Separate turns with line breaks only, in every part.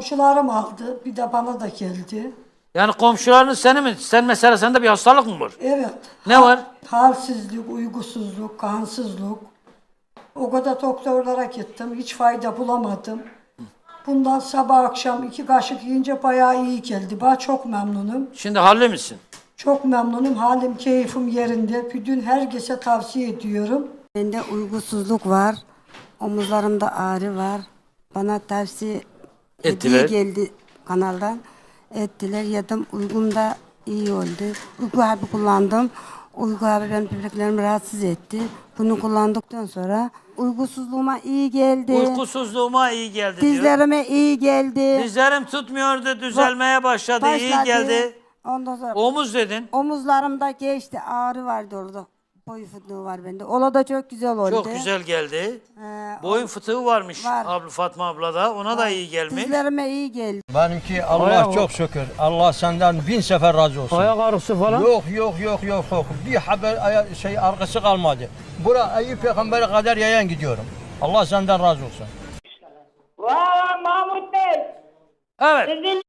komşularım aldı. Bir de bana da geldi.
Yani komşularınız seni mi? Sen mesela sende bir hastalık mı var?
Evet.
Ne var?
Halsizlik, uygusuzluk, kansızlık. O kadar doktorlara gittim. Hiç fayda bulamadım. Bundan sabah akşam 2 kaşık yiyince bayağı iyi geldi. Ben çok memnunum.
Şimdi halli misin?
Çok memnunum. Halim, keyfim yerinde. Bütün herkese tavsiye ediyorum.
Bende uygusuzluk var. Omuzlarımda ağrı var. Bana tavsiye
Ettiler.
geldi kanaldan. Ettiler. Yedim. Uygum da iyi oldu. Uyku hapı kullandım. Uyku hapı benim böbreklerimi rahatsız etti. Bunu kullandıktan sonra uygusuzluğuma iyi geldi.
Uykusuzluğuma iyi geldi diyor.
Dizlerime iyi geldi.
Dizlerim tutmuyordu, düzelmeye başladı, iyi geldi.
Ondan sonra
Omuz dedin.
omuzlarımda geçti. Ağrı vardı orada. Boy fıtığı var bende. Ola da çok güzel oldu.
Çok güzel geldi. Boyun fıtığı varmış
Var.
Fatma ablada. Ona da iyi gelmiş.
Dizlerime iyi geldi.
Benimki Allah çok şükür. Allah senden 1000 sefer razı olsun.
Ayak ağrısı falan?
Yok. Bir haber arkası kalmadı. Bura Eyüp Peygamber'e kadar yayan gidiyorum. Allah senden razı olsun.
Vay Mahmut Bey.
Evet.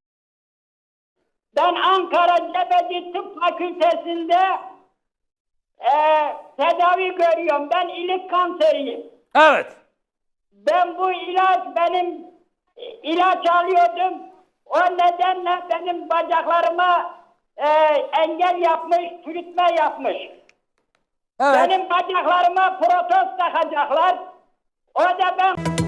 Ben Ankara Cebeci Tıp Fakültesi'nde tedavi görüyorum. Ben ilik kanseriyim.
Evet.
Ben bu benim ilaç alıyordum. O nedenle benim bacaklarıma engel yapmış, çürütme yapmış.
Evet.
Benim bacaklarıma protez takacaklar. O da ben...